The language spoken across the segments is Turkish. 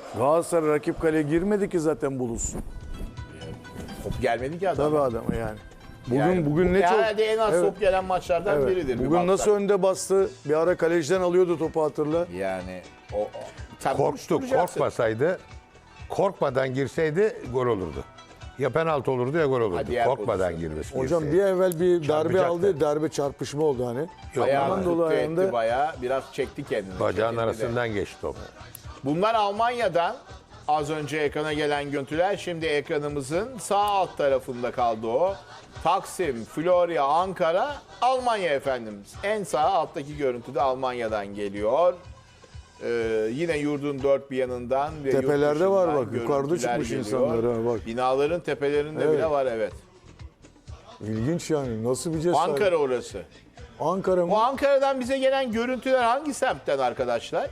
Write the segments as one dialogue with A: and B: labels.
A: Galatasaray rakip kaleye girmedi ki zaten bulunsun.
B: Top gelmedi ki adam.
A: Tabii adamı yani. Bugün
B: Yani
A: bugün
B: bu
A: ne çok
B: herhalde en az
A: Evet.
B: top gelen maçlardan
A: Evet.
B: biridir. Bir
A: Bugün nasıl
B: baksak.
A: önde bastı? Bir ara kaleciden alıyordu topu, hatırla.
B: Yani tabii
C: Korktu,
B: konuşturacaksın.
C: korkmasaydı, korkmadan girseydi gol olurdu. Ya penaltı olurdu ya gol olurdu.
B: Hadi ya,
C: Korkmadan
B: pozisyon.
C: girmesi.
A: Hocam
C: girseydi.
A: bir evvel bir darbe
C: Çarpacaktı.
A: aldı. Darbe çarpışma oldu hani.
B: Ayağını
A: Aman dolu
B: tuttu etti
A: ayağında.
B: bayağı. Biraz çekti kendini.
C: Bacağın
B: Çekildi de.
C: arasından geçti top.
B: Bunlar Almanya'dan az önce ekrana gelen görüntüler. Şimdi ekranımızın sağ alt tarafında kaldı o. Taksim, Florya, Ankara, Almanya efendim. En sağ alttaki görüntü de Almanya'dan geliyor. Yine yurdun dört bir yanından ve yurt
A: Tepelerde var
B: dışından
A: bak, yukarıda
B: görüntüler
A: çıkmış
B: geliyor.
A: insanlar ha, bak.
B: Binaların tepelerinde
A: Evet.
B: bile var, evet.
A: İlginç yani. Nasıl bir cesaret?
B: Ankara orası.
A: Ankara mı?
B: Bu Ankara'dan bize gelen görüntüler hangi semtten arkadaşlar?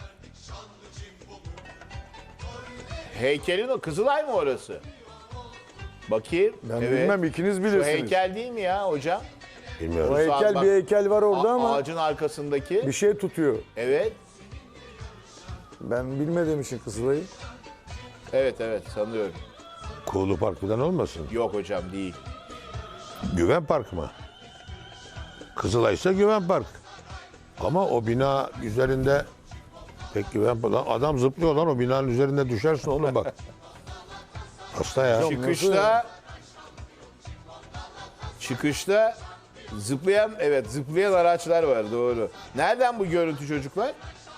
B: Heykelin o, Kızılay mı orası? Bakayım.
A: Ben bilmem, ikiniz
B: Şu
A: bilirsiniz.
B: heykel değil mi ya hocam?
A: O
C: Bilmiyorum.
A: heykel,
B: bak-
A: bir heykel var orada ama
B: Ağacın arkasındaki.
A: bir şey tutuyor.
B: Evet.
A: Ben bilmediğim için Kızılay'ı.
B: Evet sanıyorum.
C: Kuğulu Park falan olmasın?
B: Yok hocam değil.
C: Güven Park mı? Kızılay ise Güven Park. Ama o bina üzerinde pek Güven Park. Lan adam zıplıyor lan, o binanın üzerinde düşersin oğlum bak. Hasta ya.
B: Çıkışta zıplayan araçlar var, doğru. Nereden bu görüntü çocuklar?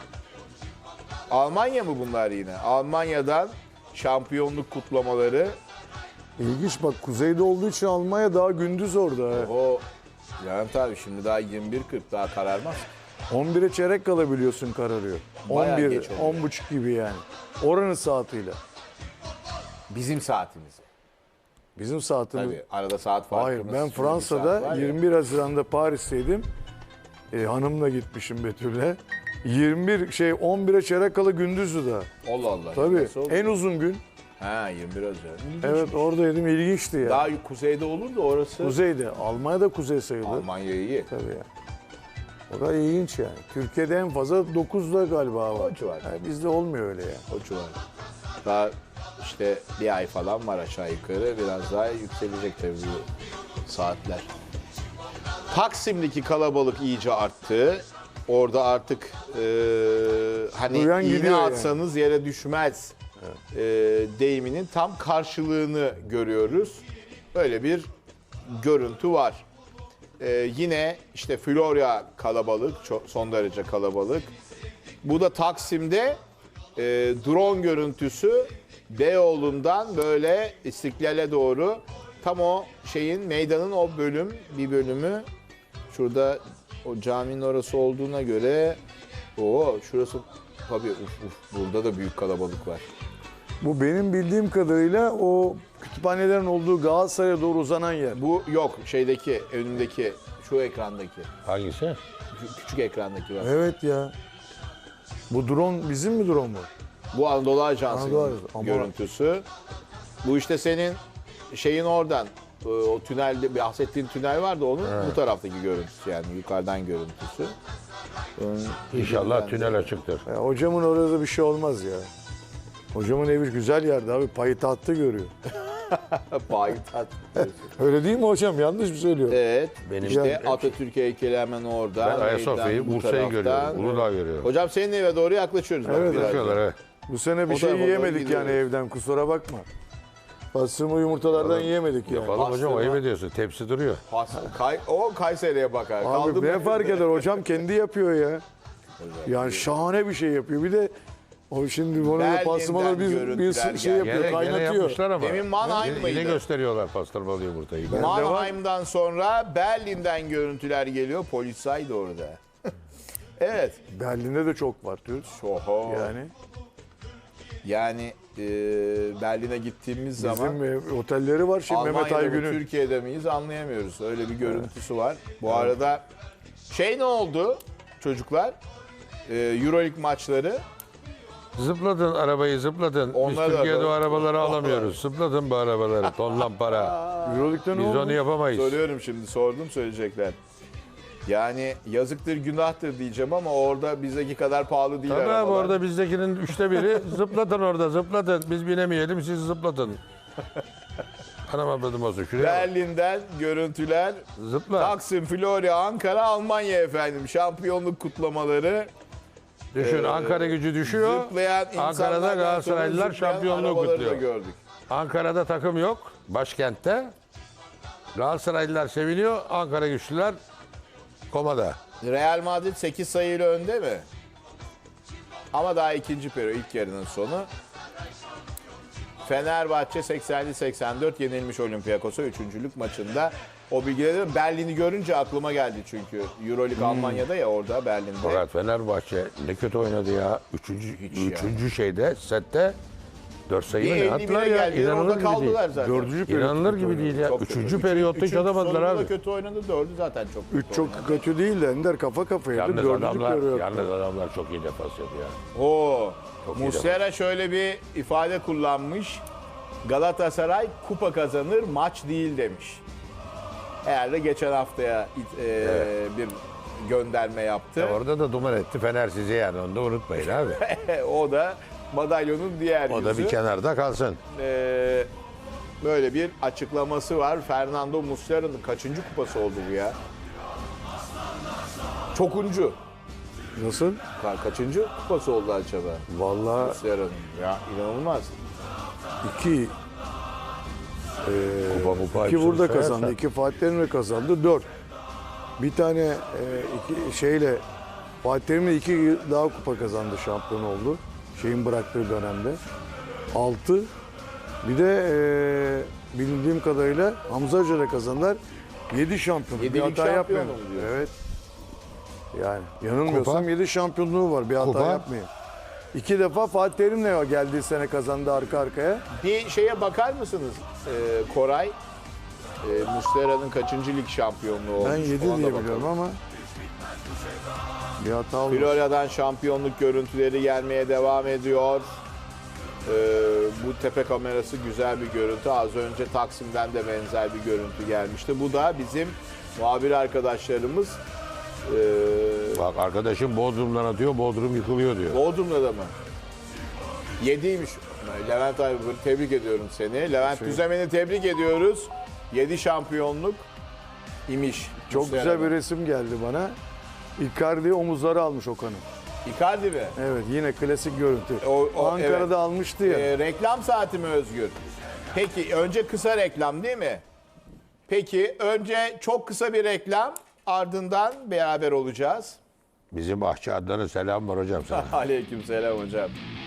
B: Almanya mı bunlar yine? Almanya'dan şampiyonluk kutlamaları.
A: İlginç bak, kuzeyde olduğu için Almanya daha gündüz orada. ha.
B: O yani tabii şimdi daha 21.40, daha kararmaz.
A: 11'e çeyrek kalabiliyorsun, kararıyor.
B: Bayağı
A: 11,
B: geç oluyor.
A: 10.30 gibi yani. Oranın saatiyle.
B: Bizim saatimiz.
A: Bizim saatimiz.
B: Tabii arada saat farkımız.
A: Hayır, ben
B: şöyle bir saat
A: Fransa'da
B: var ya.
A: 21 Haziran'da Paris'teydim. Hanımla gitmişim Betül'le. 11'e çeyrek kala gündüzdü daha.
B: Allah Allah.
A: Tabii
B: Nasıl oldu?
A: en uzun gün.
B: Ha, 21 Haziran.
A: Evet, oradaydım, ilginçti ya.
B: Daha kuzeyde olur da orası.
A: Kuzeyde. Almanya'da kuzey sayılır.
B: Almanya iyi.
A: Tabii ya. O da ilginç yani. Türkiye'de en fazla 9'da galiba var.
B: O civar.
A: Bizde olmuyor öyle ya.
B: O civar. Daha işte bir ay falan var aşağı yukarı. Biraz daha yükselecek tabii bu saatler. Taksim'deki kalabalık iyice arttı. Orada artık hani
A: Duyan
B: iğne
A: gidiyor yani.
B: atsanız yere düşmez deyiminin tam karşılığını görüyoruz. Böyle bir görüntü var. Yine işte Florya kalabalık, son derece kalabalık. Bu da Taksim'de drone görüntüsü, Beyoğlu'ndan böyle İstiklal'e doğru, tam o meydanın o bir bölümü şurada, o caminin orası olduğuna göre şurası tabii burada da büyük kalabalık var.
A: Bu benim bildiğim kadarıyla o kütüphanelerin olduğu Galatasaray'a doğru uzanan yer.
B: Bu yok önümdeki şu ekrandaki,
C: Hangisi?
B: şu küçük ekrandaki var.
A: Evet ya. Bu drone bizim mi drone mu?
B: Bu Anadolu Ajansı'nın
A: Anadolu Ajansı, ama-
B: görüntüsü. Bu işte senin oradan o tünelde bahsettiğin tünel vardı, onun bu taraftaki görüntüsü, yani yukarıdan görüntüsü.
C: İnşallah tünel açıktır.
A: Ya hocamın orada bir şey olmaz ya. Hocamın evi güzel yerde abi. Payitahtı görüyor.
B: Payitaht.
A: Öyle değil mi hocam? Yanlış mı söylüyorum?
B: Evet.
C: Benim-
B: İşte Atatürk heykeli hemen orada.
C: Ben Ayasofya'yı,
B: Meydan bu
C: Bursa'yı
B: taraftan.
C: görüyorum. Uludağ görüyorum.
B: Hocam senin eve doğru yaklaşıyoruz. bak
A: Evet,
B: biraz.
C: Bakıyorlar evet.
A: Bu sene bir
B: O
A: şey
B: tarafa doğru
A: yiyemedik yani
B: gidiyoruz.
A: evden. Kusura bakma. Pastırma yumurtalardan yiyemedik yani.
C: Yapalım hocam,
B: Pastırma.
C: ayıp ediyorsun. Tepsi duruyor.
B: O Kayseri'ye bakar. Kaldı
A: Abi
B: mı?
A: ne fark eder? Hocam kendi yapıyor ya. Yani şahane bir şey yapıyor. Bir de o şimdi bunu
B: Berlin'den
A: pastırmaları bir
B: görüntüler
A: şey
B: geldi.
A: yapıyor,
C: Gene
A: kaynatıyor.
C: yapmışlar ama.
B: Demin Mannheim
C: Yine
B: mıydı?
C: gösteriyorlar pastırmalı yumurtayı.
B: Mannheim'dan sonra Berlin'den görüntüler geliyor. Polisay da orada. Evet.
A: Berlin'de de çok var diyoruz.
B: Oho.
A: Yani
B: Berlin'e gittiğimiz zaman
A: bizim otelleri var şimdi Mehmet
B: Almanya'da mı
A: Aygün'ün.
B: Türkiye'de miyiz anlayamıyoruz. Öyle bir görüntüsü var. Bu arada ne oldu çocuklar? Euroleague maçları.
C: Zıpladın arabayı, zıpladın.
B: Onlar
C: Biz
B: da
C: Türkiye'de o
B: doğru.
C: arabaları alamıyoruz. Zıpladın bu arabaları. Tonlan para.
A: Euroleague'de ne
C: Biz
A: oldu?
C: onu yapamayız.
B: Soruyorum şimdi, sordum söyleyecekler. Yani yazıktır günahtır diyeceğim ama orada bizdeki kadar pahalı değil
C: Tabii abi
B: arabalar.
C: orada bizdekinin 1/3 zıplatın orada zıplatın. Biz binemeyelim siz zıplatın. Anam abladım olsun şuraya bak.
B: Berlin'den görüntüler.
C: Zıpla.
B: Taksim, Florya, Ankara, Almanya efendim. Şampiyonluk kutlamaları.
C: Düşün Ankara gücü düşüyor.
B: Zıplayan
C: Ankara'da
B: insanlardan sonra
C: Galatasaraylılar
B: zıplayan
C: şampiyonluğu
B: arabaları da
C: kutluyor.
B: gördük.
C: Ankara'da takım yok. Başkentte. Galatasaraylılar seviniyor. Ankara güçlüler komada.
B: Real Madrid 8 sayıyla önde mi? Ama daha ikinci periyot, ilk yarının sonu. Fenerbahçe 80-84 yenilmiş Olympiakos'a 3. maçında. O bilgileri Berlin'i görünce aklıma geldi çünkü. Euroleague Almanya'da ya orada Berlin'de.
C: Fakat Fenerbahçe ne kötü oynadı ya. Üçüncü şeyde sette 4 sayı mı ne
B: 51'e
C: attılar ya.
B: geldiler,
C: İnanılır
B: orada
C: gibi değil.
B: kaldılar zaten.
A: Dördüncü periyot
C: İnanılır
A: kötü
C: gibi
A: oynadı.
C: değil ya.
B: Çok kötü.
C: Üçüncü periyotta hiç atamadılar
B: sonunda
C: abi.
B: da kötü oynadı, 4'ü zaten çok kötü
A: Üç çok
B: oynadı.
A: kötü değil de Ender kafa kafaya.
C: Yalnız
A: Dördüncü
C: adamlar,
A: periyot.
C: yalnız adamlar çok iyi defans yapıyor.
B: Oo.
C: Çok iyi
B: Muslera şöyle bir ifade kullanmış. Galatasaray kupa kazanır, maç değil demiş. Herhalde geçen haftaya bir gönderme yaptı.
C: Orada da duman etti Fener sizi yani onu da unutmayın abi.
B: O da madalyonun diğer
C: O
B: yüzü.
C: da bir kenarda kalsın.
B: Böyle bir açıklaması var. Fernando Muslera'nın kaçıncı kupası oldu bu ya? Çokuncu.
A: Nasıl?
B: Kaçıncı kupası oldu acaba?
A: Vallahi
B: Muslera'nın. Ya inanılmaz.
A: iki.
C: Kupa mupa
A: İki
C: hepsini
A: burada
C: sayarsan.
A: kazandı. İki Fatih Terim'le kazandı. 4. Bir tane iki şeyle Fatih Terim'le 2 daha kupa kazandı. Şampiyon oldu. Şeyin bıraktığı dönemde. 6. Bir de bildiğim kadarıyla Hamza Hoca'da kazandılar. 7 şampiyon. Bir
B: Yedilik
A: hata
B: şampiyon
A: yapmayın.
B: mu diyorsun?
A: Evet. Yani yanılmıyorsam
C: Kupa?
A: 7 şampiyonluğu var. Bir hata
C: Kupa?
A: yapmayın. 2 defa Fatih Terim'le geldiği sene kazandı arka arkaya.
B: Bir şeye bakar mısınız Koray? Muslera'nın kaçıncı lig şampiyonluğu olmuş?
A: Ben 7
B: Ona da
A: diye
B: bakalım.
A: biliyorum ama bir hata olmuş.
B: Florya'dan şampiyonluk görüntüleri gelmeye devam ediyor. Bu tepe kamerası güzel bir görüntü. Az önce Taksim'den de benzer bir görüntü gelmişti. Bu da bizim muhabir arkadaşlarımız
C: Bak arkadaşım Bodrum'dan atıyor, Bodrum yıkılıyor diyor.
B: Bodrum'da da mı? 7'ymiş. Levent abi tebrik ediyorum seni. Levent Düzemen'i tebrik ediyoruz. 7 şampiyonluk imiş.
A: Çok
B: Muslera'da.
A: güzel bir resim geldi bana. Icardi omuzları almış Okan'ın.
B: Icardi mi?
A: Evet yine klasik görüntü.
B: O,
A: Ankara'da
B: evet.
A: almıştı ya.
B: Reklam saati mi Özgür? Peki önce kısa reklam değil mi? Peki önce çok kısa bir reklam ardından beraber olacağız.
C: Bizim Bahçe Adnan'a selam var hocam sana.
B: Aleykümselam hocam.